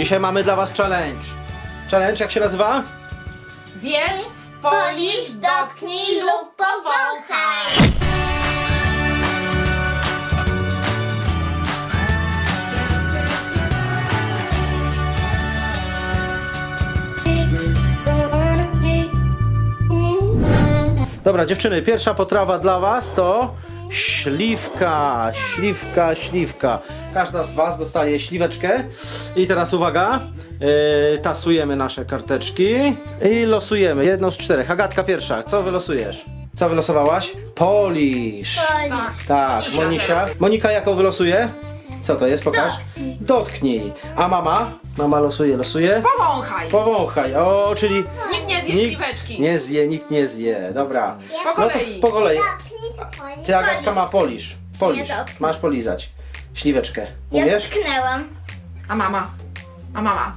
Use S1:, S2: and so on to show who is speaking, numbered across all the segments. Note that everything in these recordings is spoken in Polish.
S1: dzisiaj mamy dla was challenge. Challenge jak się nazywa?
S2: Zjedz, polisz, dotknij lub powąchaj.
S1: Dobra dziewczyny, pierwsza potrawa dla was to śliwka, śliwka. Każda z was dostaje śliweczkę. I teraz uwaga, tasujemy nasze karteczki i losujemy jedną z 4. Agatka pierwsza, co wylosujesz? Co wylosowałaś? Polisz. Tak, Monisia. Monika jaką wylosuje? Co to jest? Pokaż. Dotknij. A mama? Mama losuje.
S3: Powąchaj.
S1: Powąchaj. O, czyli
S3: Nikt nie zje śliweczki.
S1: nie zje, nikt nie zje. Dobra.
S3: Po
S1: No to
S3: kolei.
S1: po kolei.
S2: Dotknij,
S1: Ty Agatka ma polisz. Polisz.
S2: Ja dotknę.
S1: Masz polizać. Śliweczkę.
S2: Ja
S1: Umiesz?
S2: dotknęłam.
S3: A mama? A mama?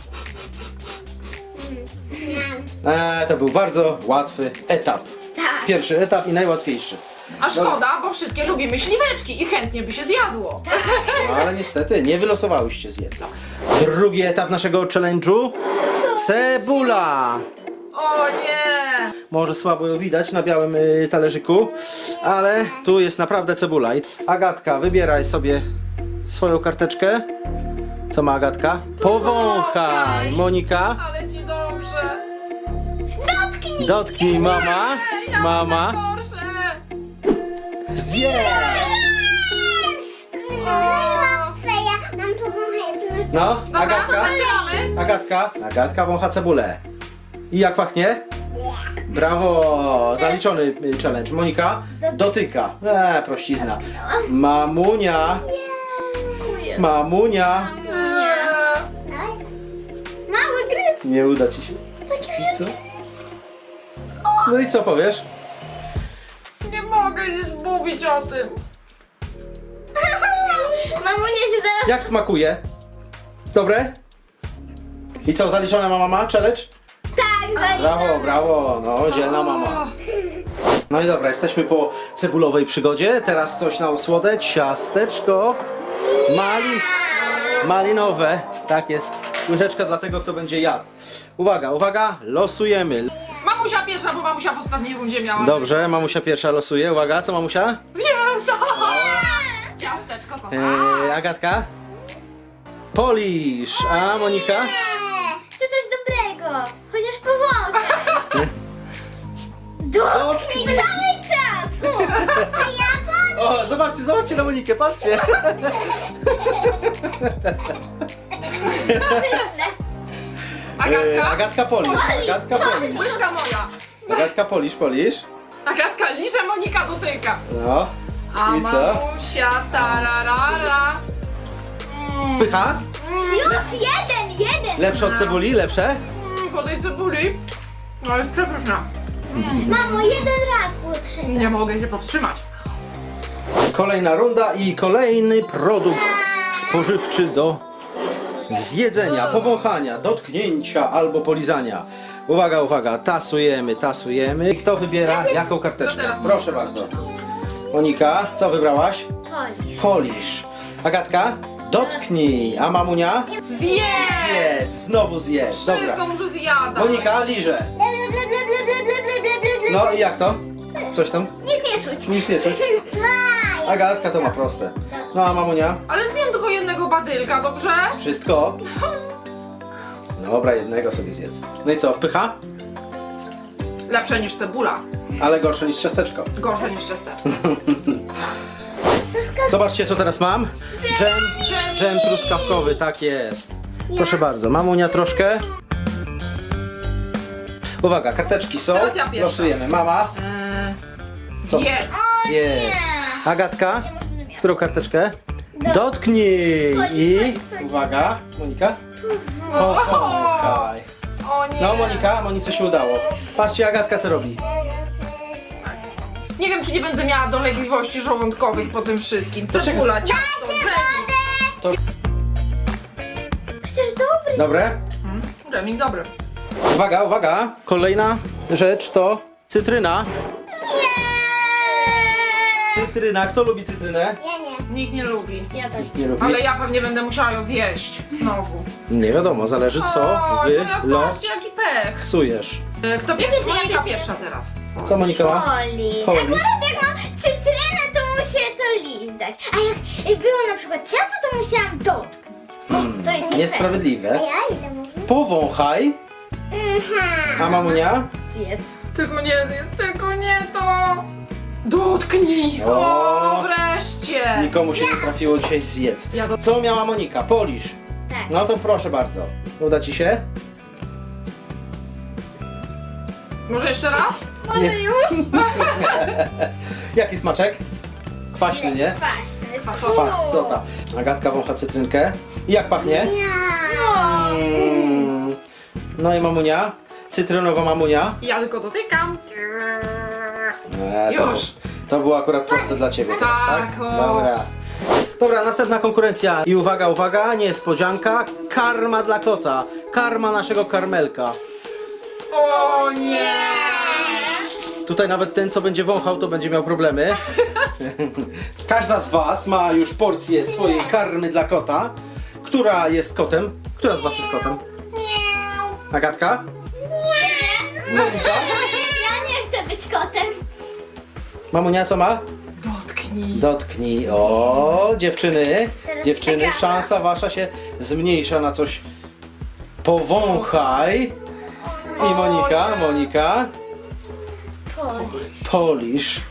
S1: To był bardzo łatwy etap.
S2: Tak.
S1: Pierwszy etap i najłatwiejszy.
S3: A szkoda, bo wszystkie lubimy śliweczki i chętnie by się zjadło.
S1: No, ale niestety nie wylosowałyście zjedz. Drugi etap naszego challenge'u. Cebula.
S3: O nie!
S1: Może słabo ją widać na białym talerzyku, ale tu jest naprawdę cebula. I Agatka, wybieraj sobie swoją karteczkę. Co ma Agatka? Powąchaj. Monika?
S3: Ale ci dobrze.
S2: Dotknij!
S1: Dotknij mama.
S3: Ja
S1: Mama.
S3: Gorsze.
S1: Zjedz.
S2: Najłatwe, ja mam powąchać.
S1: No,
S3: Dobra,
S1: Agatka.
S3: zaczynamy.
S1: Agatka wącha cebulę. I jak pachnie? Brawo! Zaliczony challenge. Monika dotyka. Prościzna. Mamunia. Mamunia.
S2: Mały gryz.
S1: Nie uda ci się. Co? No i co powiesz?
S3: Nie mogę nic mówić o tym.
S2: Mamunia się zaraz...
S1: Jak smakuje? Dobre? I co, zaliczona ma mama? Challenge?
S2: Tak,
S1: Brawo, brawo. No, dzielna mama. No i dobra, jesteśmy po cebulowej przygodzie. Teraz coś na osłodę. Ciasteczko. Malinowe. Tak jest. Łyżeczka dla tego, kto będzie jadł. Uwaga, uwaga. Losujemy.
S3: Mamusia pierwsza, bo mamusia w ostatniej rundzie miała.
S1: Dobrze, mamusia pierwsza losuje. Uwaga, co mamusia?
S3: Zjem to! Ciasteczko to
S1: Agatka? Polisz. A Monika?
S2: Chcę coś dobrego. Chociaż powąchaj. Dotknij cały czas. A ja
S1: O, zobaczcie na Monikę, patrzcie.
S2: pyszne.
S3: Agatka?
S1: Agatka polisz. Agatka polisz.
S3: Łyżka moja.
S1: Agatka polisz.
S3: Agatka liże, Monika dotyka.
S1: No.
S3: A
S1: I co?
S3: mamusia tararara.
S1: Pycha?
S2: Już jeden.
S1: Lepsze od cebuli? Lepsze?
S3: Po tej cebuli. No jest przepyszna.
S2: Mamo, jeden raz było trzeba.
S3: Nie mogę się powstrzymać.
S1: Kolejna runda i kolejny produkt spożywczy do zjedzenia, powąchania, dotknięcia albo polizania. Uwaga, uwaga, tasujemy. Kto wybiera jaką karteczkę?
S3: To teraz
S1: Proszę
S3: Monika
S1: bardzo.
S3: zaczyna.
S1: Monika, co wybrałaś?
S2: Polisz.
S1: Polisz. Agatka? Dotknij. A mamunia?
S3: Zjedz!
S1: Zjedz. Znowu zjedz. Dobra.
S3: Wszystko muszę zjadać.
S1: Monika, liże. No i jak to? Coś tam?
S2: Nic nie czuć.
S1: Nic nie czuć. Agatka to ma proste. No a mamunia?
S3: Ale zjem tylko jednego badylka, dobrze?
S1: Wszystko? Dobra, jednego sobie zjedz. No i co, pycha?
S3: Lepsze niż cebula.
S1: Ale gorsze niż ciasteczko.
S3: Gorsze niż ciasteczko.
S1: Zobaczcie, co teraz mam. Dżem truskawkowy, tak jest. Proszę bardzo, mamunia troszkę. Uwaga, karteczki są.
S3: Teraz ja pierwsza.
S1: Losujemy. Mama, Co?
S3: Zjedz!
S1: zjedz. Agatka, którą karteczkę? Dotknij. I uwaga, Monika. Powąchaj.
S3: O nie!
S1: No Monika, Monice się udało. Patrzcie, Agatka co robi.
S3: Nie wiem, czy nie będę miała dolegliwości żołądkowych po tym wszystkim. Cebula, ciasto, dżemik.
S2: Przecież dobry.
S1: Dobre?
S3: Dżemik dobry.
S1: Uwaga, uwaga. Kolejna rzecz to cytryna. Cytryna. Kto lubi cytrynę?
S2: Ja nie.
S3: Nikt nie lubi.
S2: Ja też.
S1: Nie lubi.
S3: Ale ja pewnie będę musiała ją zjeść znowu.
S1: Nie wiadomo, zależy co
S3: O,
S1: wy
S3: no ja patrzcie, jaki pech.
S1: losujesz.
S3: Kto pierwszy?
S2: wiecie, ja
S3: Monika
S2: pierwsza.
S3: pierwsza teraz.
S1: Co Monika ma?
S2: Polisz.
S1: Polisz.
S2: Akurat jak mam cytrynę, to muszę to lizać. A jak było na przykład ciasto, to musiałam dotknąć. O, to jest nie fair.
S1: Niesprawiedliwe.
S2: A ja ile mówię?
S1: Powąchaj. A mamunia?
S2: Zjedz.
S3: Tylko nie zjedz, tylko nie to. Dotknij!
S1: O.
S3: O, wreszcie!
S1: Nikomu się nie trafiło dzisiaj zjedz.
S3: Ja do-
S1: Co miała Monika? Polisz.
S2: Tak.
S1: No to proszę bardzo. Uda ci się?
S3: Może jeszcze raz?
S2: Może
S1: Nie.
S2: już?
S1: Jaki smaczek? Kwaśny, nie?
S2: Kwaśny.
S3: Fasowy.
S1: Fasota. Agatka wącha cytrynkę. I jak pachnie?
S2: Ja.
S1: No i mamunia? Cytrynowa mamunia?
S3: Ja tylko dotykam.
S1: To,
S3: Już.
S1: to było akurat proste dla ciebie teraz, tak?
S3: Tak, o.
S1: Dobra. Dobra, następna konkurencja. I uwaga, uwaga, niespodzianka. Karma dla kota. Karma naszego karmelka.
S3: O nie!
S1: Tutaj nawet ten, co będzie wąchał, to będzie miał problemy. Każda z was ma już porcję swojej karmy dla kota. Która jest kotem? Która z was jest kotem?
S2: Miau.
S1: Agatka?
S2: Nie.
S1: Monika?
S2: Ja nie chcę być kotem.
S1: Mamunia co ma?
S3: Dotknij.
S1: Dotknij. O, dziewczyny.
S2: Teraz
S1: Dziewczyny,
S2: Agata.
S1: szansa wasza się zmniejsza na coś. Powąchaj. I Monika,
S3: O nie.
S1: Monika.
S2: Polisz.
S1: Polisz.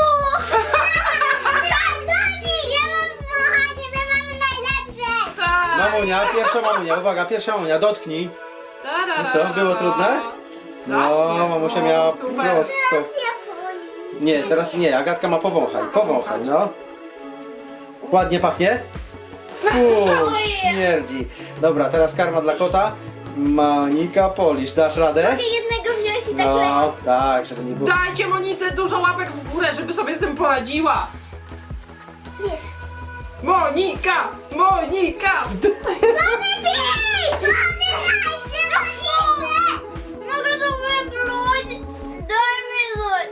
S2: Ja mam wąchanie, my mamy najlepsze.
S3: Tak.
S1: Mamunia, pierwsza mamunia. Uwaga, pierwsza mamunia. Dotknij.
S3: Tarara.
S1: I co, było trudne?
S3: Strasznie.
S1: No, mamusia miała
S3: super.
S1: prosto.
S2: Ja polisz.
S1: Nie, teraz nie. Agatka ma powąchaj. Powąchaj, no. Ładnie pachnie? Śmierdzi. Dobra, teraz karma dla kota. Monika, polisz. Dasz radę?
S2: Mogę jednego wziąć i tak lekko.
S1: No, tak, żeby nie było.
S3: Dajcie Monice dużo łapek w górę, żeby sobie z tym poradziła.
S2: Wiesz.
S3: Monika! Monika!
S2: Mogę to wypluć. Daj mi coś.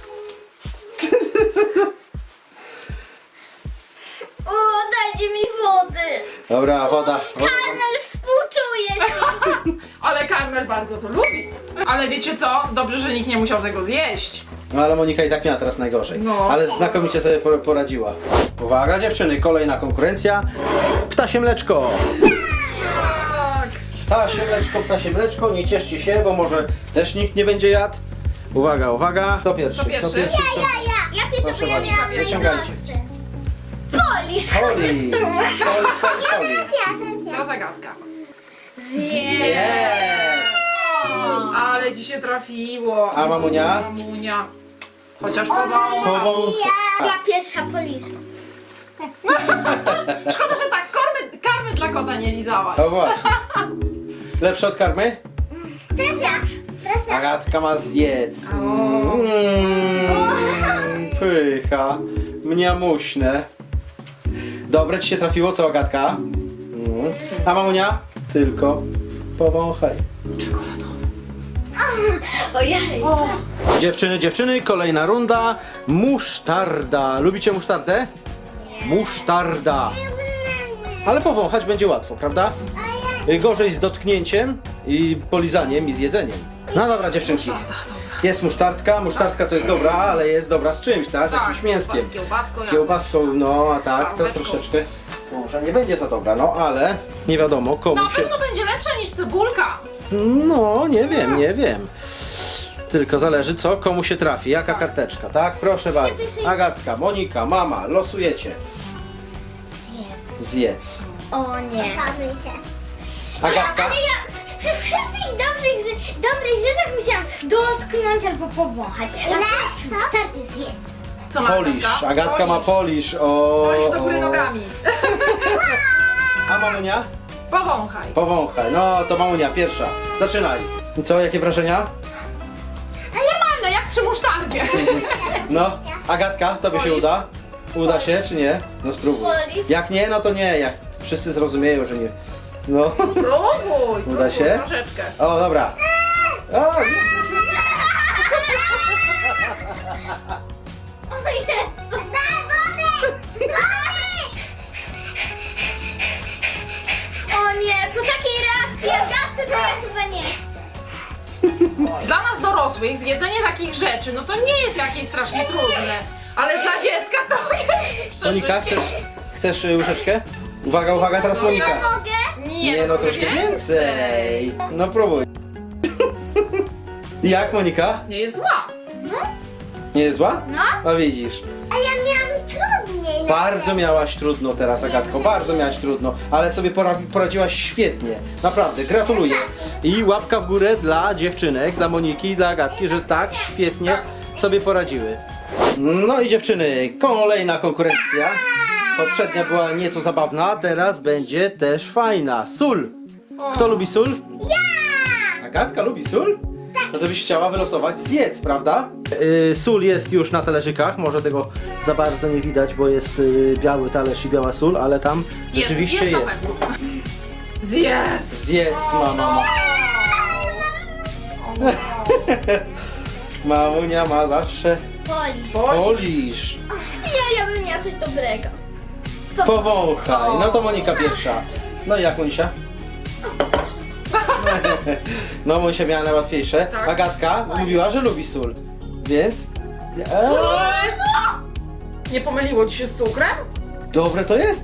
S2: O, dajcie mi wody.
S1: Dobra, woda.
S2: Karmel współczuje ci.
S3: Ale Karmel bardzo to lubi. Ale wiecie co? Dobrze, że nikt nie musiał tego zjeść.
S1: No ale Monika i tak miała teraz najgorzej.
S3: No.
S1: Ale znakomicie sobie poradziła. Uwaga dziewczyny, kolejna konkurencja. Ptasie mleczko.
S3: Tak.
S1: Ptasie mleczko, nie cieszcie się, bo może też nikt nie będzie jadł. Uwaga, uwaga. Kto pierwszy?
S3: Kto pierwszy?
S2: Ja pierwsza,
S1: Proszę
S2: bo ja
S1: bardzo,
S2: miałam
S1: wyciągajcie.
S2: najgorsze. Polisz,
S1: Poli.
S2: chociaż tu.
S1: Poli.
S3: Ta zagadka.
S1: Jest.
S3: Ale ci się trafiło.
S1: A mamunia?
S3: Mamunia. Chociaż powoli.
S1: Powącha.
S2: Ja pierwsza polisz.
S3: Szkoda, że tak karmy dla kota nie lizałaś.
S1: No właśnie. Lepsze od karmy?
S2: Teraz ja. Teraz ja.
S1: Agatka ma zjedz.
S3: O.
S1: Pycha. Mniamuśne. Dobre ci się trafiło, co Agatka? A mamunia? Tylko powąchaj.
S3: Czekoladowy.
S2: Ojej.
S3: O.
S1: Dziewczyny, kolejna runda. Musztarda. Lubicie musztardę? Musztarda. Ale powąchać będzie łatwo, prawda? Gorzej z dotknięciem i polizaniem i z jedzeniem. No dobra dziewczynki.
S3: Musztarda, dobra.
S1: Jest musztardka. Musztardka to jest dobra, ale jest dobra z czymś, tak? Z jakimś mięskiem.
S3: Z kiełbaską.
S1: Z kiełbaską, no a tak, to
S3: pałeczką.
S1: troszeczkę może nie będzie za dobra, no ale nie wiadomo komu
S3: Na
S1: się...
S3: pewno będzie lepsza niż cebulka.
S1: No, nie wiem. Tylko zależy co, komu się trafi, jaka karteczka, tak? Proszę bardzo. Agatka, Monika, mama, losujecie. Zjedz.
S2: O nie.
S1: Agatka?
S2: Ale ja przy wszystkich dobrych rzeczach musiałam dotknąć albo powąchać. Ile? Co? Starty zjedz.
S3: Co ma
S1: Polisz. Agatka ma polisz. O,
S3: Polisz do góry nogami.
S1: A mamunia?
S3: Powąchaj.
S1: Powąchaj. No to mamunia, pierwsza. Zaczynaj. I co, jakie wrażenia?
S3: Normalne, jak przy musztardzie.
S1: No, Agatka, tobie się
S3: Polisz.
S1: uda? Uda się, czy nie? No spróbuj.
S2: Polisz.
S1: Jak nie, no to nie. Jak wszyscy zrozumieją, że nie. No.
S3: Próbuj
S1: się?
S3: troszeczkę.
S1: O, dobra. O,
S2: O Jezu.
S3: Dla nas dorosłych zjedzenie takich rzeczy, no to nie jest jakieś strasznie trudne. Ale dla dziecka to jest
S1: Monika, chcesz łyżeczkę? Uwaga, uwaga, teraz Monika.
S2: Mogę?
S3: Nie,
S1: no troszkę więcej. No próbuj. Jak, Monika?
S3: Nie jest zła.
S1: Nie jest zła?
S2: No.
S1: No widzisz.
S2: A ja miałam trudniej.
S1: Bardzo miałaś trudno teraz, Agatko, bardzo miałaś trudno, ale sobie poradziłaś świetnie, naprawdę, gratuluję. I łapka w górę dla dziewczynek, dla Moniki i dla Agatki, że tak świetnie sobie poradziły. No i dziewczyny, kolejna konkurencja. Poprzednia była nieco zabawna, teraz będzie też fajna. Sól. Kto lubi sól? Ja! Agatka lubi sól? No to byś chciała wylosować zjedz, prawda? Sól jest już na talerzykach, może tego za bardzo nie widać, bo jest biały talerz i biała sól, ale tam rzeczywiście
S3: na
S1: jest.
S3: pewno. Zjedz!
S1: Zjedz, mama. Mamunia ma zawsze
S2: Boli.
S1: polisz.
S2: Ja bym miała coś dobrego.
S1: Powąchaj. No to Monika pierwsza. No i jak, Monisia? No, Monisia miała najłatwiejsze.
S3: Tak.
S1: Agatka mówiła, że lubi sól. Więc...
S3: Nie pomyliło ci się z cukrem?
S1: Dobre to jest?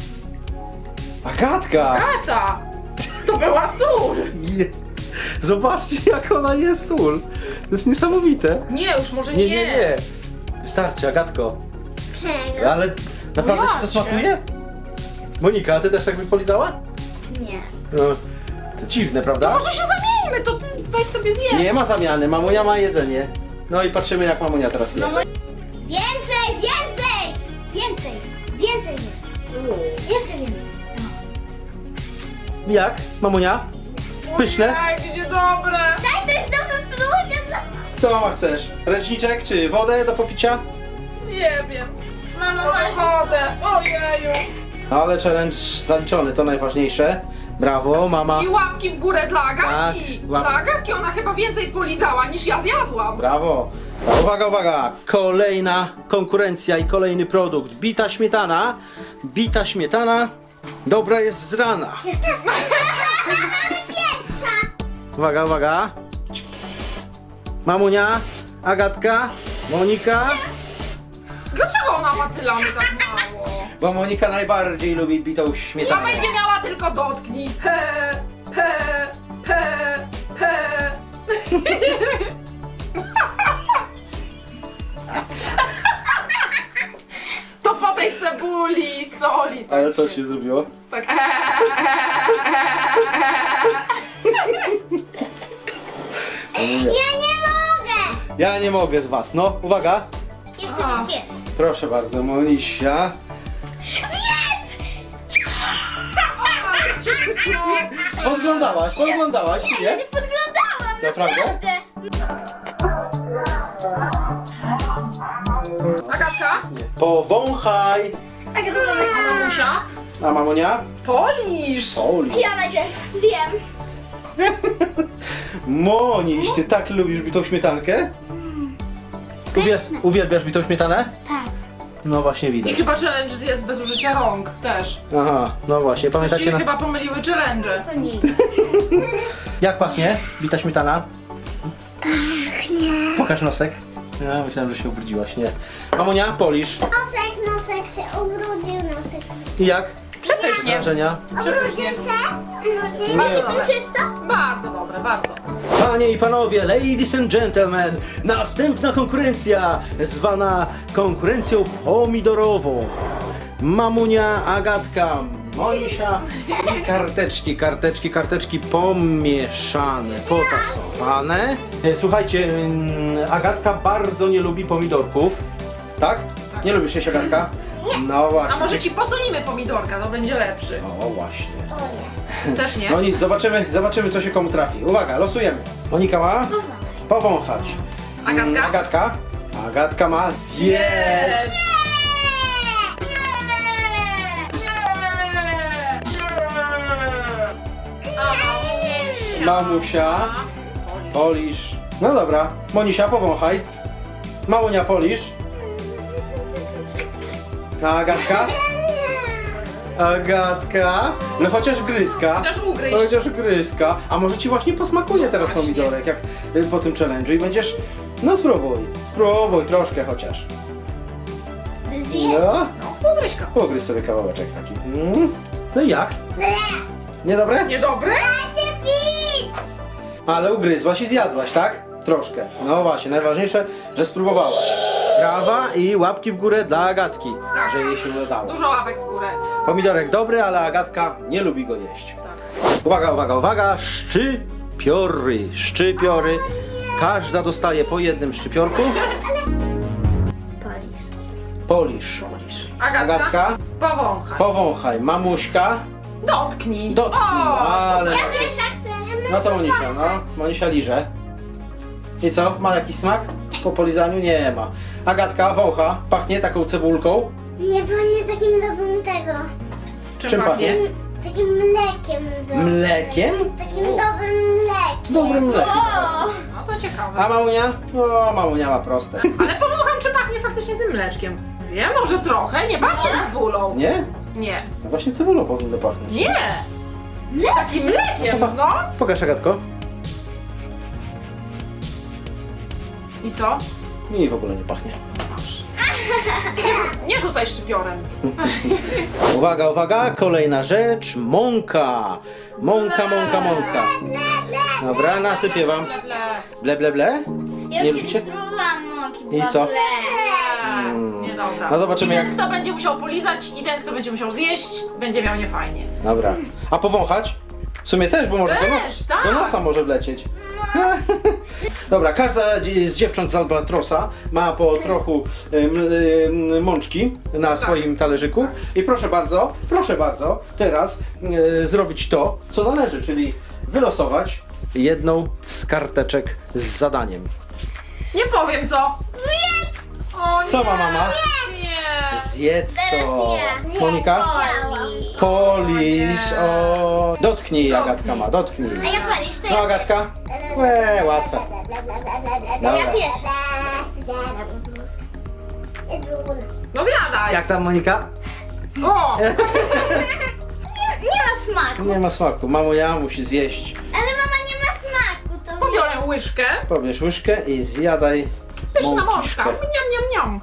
S1: Agatka!
S3: Tata! To była sól!
S1: Jest. Zobaczcie, jak ona jest sól. To jest niesamowite.
S3: Nie, już może
S1: Nie. Wystarczy, Agatko. Ale naprawdę ci to
S3: Jacie.
S1: smakuje? Monika, a ty też tak byś polizała?
S2: Nie.
S1: No, to dziwne, prawda?
S3: Może się zamieńmy, to ty weź sobie zjedz.
S1: Nie ma zamiany, mamunia ma jedzenie. No i patrzymy, jak mamunia teraz je.
S2: Więcej, więcej! Więcej, więcej jeszcze więcej.
S1: Jak, mamunia? Pyszne?
S3: Jakie niedobre!
S2: Daj coś do wyplucia.
S1: Co mama chcesz? Ręczniczek czy wodę do popicia?
S3: Nie wiem.
S2: Mamo,
S3: Może
S2: masz...
S3: wodę. Ojeju.
S1: Ale challenge zaliczony, to najważniejsze. Brawo, mama.
S3: I łapki w górę dla Agatki.
S1: Tak,
S3: Dla Agatki ona chyba więcej polizała niż ja zjadłam.
S1: Brawo. Uwaga, uwaga. Kolejna konkurencja i kolejny produkt. Bita śmietana. Bita śmietana. Dobra jest z rana. Uwaga, uwaga. Mamunia, Agatka, Monika.
S3: Dlaczego ona ma tyle, a my tak mało?
S1: Bo Monika najbardziej lubi bitą
S3: Ja
S1: śmietanę.
S3: będzie miała tylko dotknij. He, he, he, he. To po tej cebuli i soli. Tak
S1: Ale co się zrobiło?
S3: Tak.
S2: Ja nie mogę!
S1: Ja nie mogę z was. No, uwaga.
S2: Jeszcze
S3: A.
S2: wiesz.
S1: Proszę bardzo, Monisia. Podglądałaś, czy
S2: Ja
S1: nie?
S2: nie podglądałam,
S1: Naprawdę?
S3: Agatka?
S1: Powąchaj.
S2: Tak, to mamy.
S3: A mamusia?
S1: A mamunia?
S3: Polisz!
S1: Oli.
S2: Ja najpierw zjem.
S1: Moniś, ty tak lubisz bitą śmietankę? Uwielbiasz bitą śmietanę?
S2: Tak.
S1: No właśnie
S3: I
S1: widać.
S3: chyba challenge zjedz bez użycia rąk też.
S1: Aha, no właśnie,
S3: Coś
S1: pamiętacie
S3: się
S1: na...
S3: chyba pomyliły challenge.
S2: To nie.
S1: Jak pachnie bita śmietana? Pokaż nosek. Ja myślałem, że się ubrudziłaś, nie. Mamunia, polisz.
S2: Nosek się ubrudził, nosek.
S1: I jak?
S3: Przepysznie.
S1: Wrażenia?
S3: Przepysznie.
S2: Ubrudził
S3: Bardzo
S2: Jestem
S3: dobre.
S2: czysta?
S3: Bardzo dobre, bardzo.
S1: Panie i panowie, ladies and gentlemen, następna konkurencja, zwana konkurencją pomidorową. Mamunia, Agatka, Monisia i karteczki pomieszane, potasowane. Słuchajcie, Agatka bardzo nie lubi pomidorków. Tak? Nie lubisz jeść, Agatka? No właśnie.
S3: A może ci posolimy pomidorka, to będzie lepszy.
S1: O właśnie.
S3: Też nie?
S1: No nic, zobaczymy co się komu trafi. Uwaga, losujemy. Monika ma powąchać.
S3: Agatka?
S1: Agatka ma zjedz. Mamusia, polisz. No dobra, Monisia, powąchaj. Mamunia, polisz. A Agatka? Agatka. No chociaż gryzka.
S3: Chociaż ugryź.
S1: Chociaż gryzka. A może ci właśnie posmakuje teraz
S3: Właśnie.
S1: pomidorek, jak po tym challenge'u i będziesz... No spróbuj. Spróbuj troszkę chociaż.
S2: Zje.
S1: No.
S3: No, ugryź go.
S1: Pogryź sobie kawałeczek taki. No i jak? Niedobre?
S3: Niedobre?
S1: Ale ugryzłaś i zjadłaś, tak? Troszkę. No właśnie, najważniejsze, że spróbowałaś. Brawa i łapki w górę dla Agatki,
S3: Tak.
S1: że jej się udało.
S3: Dużo łapek w górę.
S1: Pomidorek dobry, ale Agatka nie lubi go jeść.
S3: Tak.
S1: Uwaga, uwaga, uwaga! Szczypiory, szczypiory. Każda dostaje po jednym szczypiorku.
S2: Polisz.
S1: Polisz.
S3: Polisz. Agatka?
S1: Agatka,
S3: Powąchaj.
S1: powąchaj. Mamuśka,
S3: Dotknij.
S1: dotknij.
S3: O,
S1: Ale...
S2: Ja też chcę.
S1: No to Monisia, no. Monisia liże. I co? Ma jakiś smak? Po polizaniu? Nie ma. Agatka wącha. Pachnie taką cebulką.
S4: Nie pachnie takim dobrym tego.
S1: Czym pachnie?
S4: Takim mlekiem dobrym.
S1: Mlekiem?
S4: Takim dobrym mlekiem.
S1: Dobrym mlekiem.
S3: No to ciekawe.
S1: A mamunia? O, mamunia ma proste.
S3: Ale powącham, czy pachnie faktycznie tym mleczkiem. Wiem, może trochę, nie pachnie cebulą.
S1: Nie?
S3: Nie.
S1: No właśnie cebulą powinno pachnieć.
S3: Nie. Takim mlekiem, no.
S1: Pokaż, Agatko.
S3: I co?
S1: Mi w ogóle nie pachnie.
S3: Nie rzucaj szczypiorem.
S1: Uwaga, uwaga, kolejna rzecz. Mąka. Mąka, mąka, mąka. Dobra, nasypię wam.
S3: Ble, ble.
S1: Ble, ble, ble.
S2: Ja
S1: Nie
S2: już
S1: lubicie?
S2: kiedyś próbowałam mąki.
S1: I co?
S3: Nie, dobra.
S1: No zobaczymy,
S3: I ten,
S1: jak-
S3: kto będzie musiał polizać, i ten, kto będzie musiał zjeść, będzie miał niefajnie.
S1: Dobra. A powąchać? W sumie też, bo może
S3: Też, tak.
S1: do nosa może wlecieć. Dobra, każda z dziewcząt z Albatrosa ma po trochu mączki na swoim talerzyku. I proszę bardzo, teraz zrobić to, co należy, czyli wylosować jedną z karteczek z zadaniem.
S3: Nie powiem co. Zjedz! O nie.
S1: Co ma mama?
S3: Nie.
S1: Zjedz to.
S2: Teraz ja.
S1: Monika?
S2: Polisz.
S1: Polisz. O. Dotknij, Agatka ma, dotknij.
S2: A ja polisz, to
S1: No
S2: ja
S1: Agatka? Łatwe.
S2: Ja
S1: Dobra.
S2: pierwsza.
S3: No zjadaj.
S1: Jak tam, Monika?
S3: O!
S2: Nie ma smaku.
S1: Nie ma smaku. Mamunia musi zjeść.
S2: Ale mama nie ma smaku. To
S3: Pobiorę łyżkę.
S1: Pobierz łyżkę i zjadaj
S3: Pyszna mączka.
S1: mąkiszkę.
S3: Niam, niam, niam.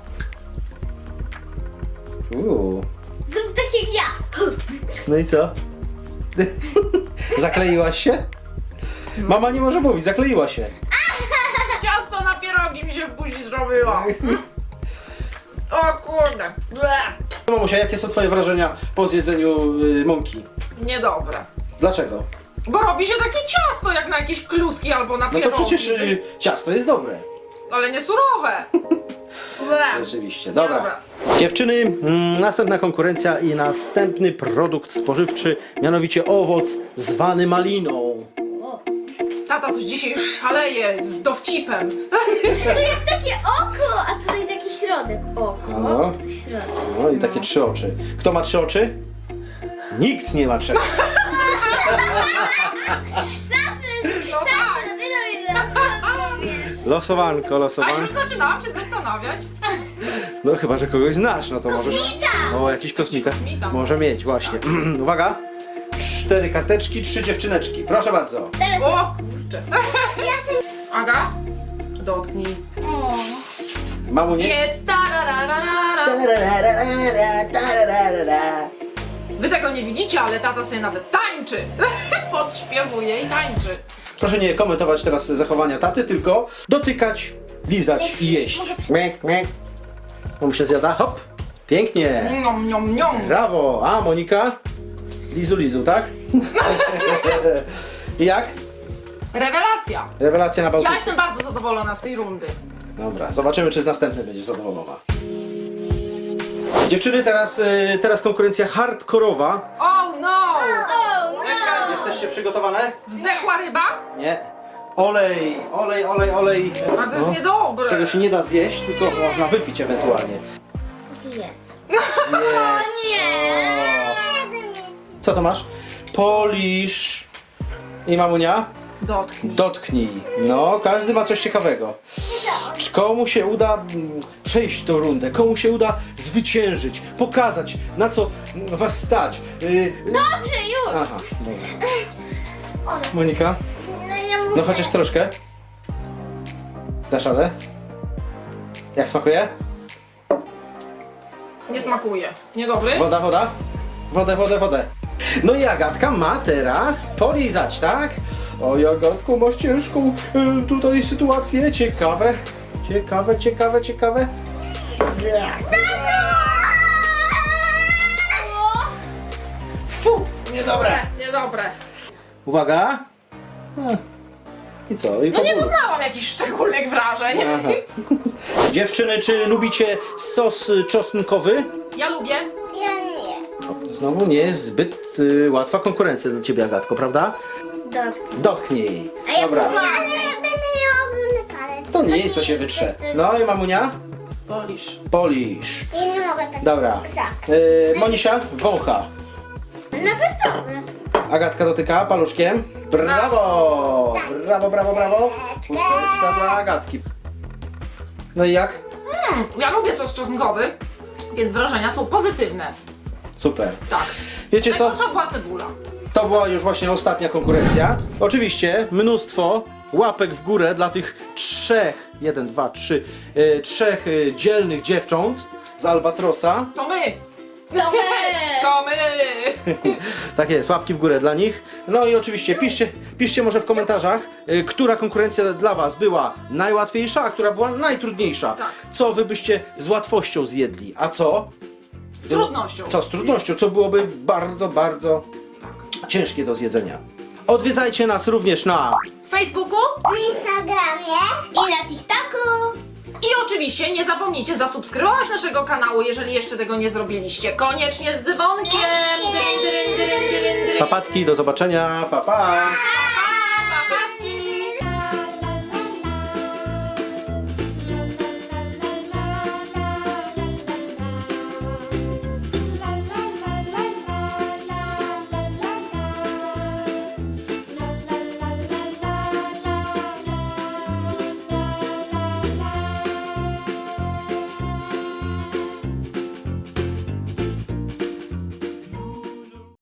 S2: Zrób tak jak ja.
S1: No i co? Zakleiłaś się? Mama nie może mówić, zakleiła się.
S3: Ciasto na pierogi mi się w buzi zrobiło. O kurde. Ble.
S1: Mamusia, jakie są twoje wrażenia po zjedzeniu mąki?
S3: Niedobre.
S1: Dlaczego?
S3: Bo robi się takie ciasto jak na jakieś kluski albo na
S1: No to
S3: pierogi.
S1: przecież ciasto jest dobre.
S3: Ale nie surowe. Ble.
S1: Rzeczywiście, dobra.
S3: Dobra.
S1: Dziewczyny, następna konkurencja i następny produkt spożywczy, mianowicie owoc zwany maliną.
S3: Tata coś dzisiaj szaleje z dowcipem.
S2: To jak takie oko, a tutaj taki środek. Oko,
S1: No.
S2: tu środek.
S1: No i takie 3 oczy. Kto ma 3 oczy? Nikt nie ma 3.
S2: Zawsze,
S3: No tak.
S2: zawsze, widzę.
S1: Losowanko,
S3: A już
S1: losowanko.
S3: zaczynałam się zastanawiać.
S1: No chyba, że kogoś znasz, no to możesz...
S2: Kosmita!
S1: O, jakiś kosmita.
S3: Kosmita.
S1: Może mieć, właśnie. Uwaga. 4 karteczki, 3 dziewczyneczki. Proszę bardzo.
S2: Teraz
S3: O kurczę. Aga, dotknij.
S2: o.
S1: Mamunie.
S3: Zjedz, tarararara. Wy tego nie widzicie, ale tata sobie nawet tańczy. Podśpiewuje i tańczy.
S1: Proszę nie komentować teraz zachowania taty, tylko dotykać, lizać i jeść. Mek, mek. Mamusia zjada, hop. Pięknie.
S3: Niom, niom, niom.
S1: Brawo. A, Monika? Lizu, lizu, tak? I jak?
S3: Rewelacja.
S1: Rewelacja na
S3: Ja
S1: Bałtyku.
S3: jestem bardzo zadowolona z tej rundy.
S1: Dobra, zobaczymy, czy z następnej będziesz zadowolona. Dziewczyny, teraz konkurencja hardkorowa.
S3: Oh no!
S2: O, no.
S1: Jesteście przygotowane?
S3: Zdechła ryba?
S1: Nie. Olej, olej, olej, olej.
S3: A to jest
S1: No.
S3: niedobre.
S1: Tego się nie da zjeść, tylko można wypić ewentualnie.
S2: Zjedz.
S1: O
S2: nie.
S1: Co to masz? Polisz. I mamunia?
S3: Dotknij.
S1: Dotknij. No, każdy ma coś ciekawego. Komu się uda przejść tą rundę? Komu się uda zwyciężyć, pokazać, na co was stać.
S2: Dobrze, już!
S1: Aha, dobra. Monika,
S4: No ja mówię.
S1: no chociaż troszkę. Dasz radę? Jak smakuje?
S3: Nie smakuje. Niedobry?
S1: Woda, woda? Wodę. No i Agatka ma teraz polizać, tak? Oj, Agatku, masz ciężką tutaj sytuację. Ciekawe. Fu, niedobre.
S3: Niedobre.
S1: Uwaga. I co? I
S3: No nie
S1: powoli.
S3: doznałam jakichś szczególnych wrażeń.
S1: Aha. Dziewczyny, czy lubicie sos czosnkowy?
S3: Ja lubię.
S4: Ja nie.
S1: Znowu nie jest zbyt łatwa konkurencja dla ciebie, Agatko, prawda?
S2: Dotknij.
S1: Dotknij.
S2: A ja
S1: Dobra.
S2: próbowałam.
S4: Ale ja będę miała ogromny palec.
S1: To nie jest, co się wytrze. No i mamunia?
S3: Polisz.
S1: Polisz.
S4: Ja nie mogę tak.
S1: Dobra.
S4: Tak.
S1: Monisia? Wącha.
S2: Nawet dobre.
S1: Agatka dotyka paluszkiem. Brawo! Brawo. Ósemeczka dla Agatki. No i jak?
S3: Ja lubię sos czosnkowy, więc wrażenia są pozytywne.
S1: Super.
S3: Tak.
S1: Wiecie co?
S3: Najgorsza była cebula.
S1: To była już właśnie ostatnia konkurencja. Oczywiście mnóstwo łapek w górę dla tych trzech, 1, 2, 3, trzech dzielnych dziewcząt z Albatrosa.
S3: To my!
S2: To my!
S3: To my!
S1: Tak jest, łapki w górę dla nich. No i oczywiście piszcie może w komentarzach, która konkurencja dla was była najłatwiejsza, a która była najtrudniejsza.
S3: Tak.
S1: Co wy byście z łatwością zjedli, a co?
S3: Z trudnością.
S1: Co z trudnością, co byłoby bardzo, bardzo
S3: Tak.
S1: ciężkie do zjedzenia. Odwiedzajcie nas również na
S3: W Facebooku
S4: Na Instagramie.
S2: I na TikToku!
S3: i oczywiście nie zapomnijcie zasubskrybować naszego kanału, jeżeli jeszcze tego nie zrobiliście. Koniecznie z dzwonkiem! Dyryn, dyryn, dyryn, dyryn, dyryn.
S1: papatki, do zobaczenia, pa pa!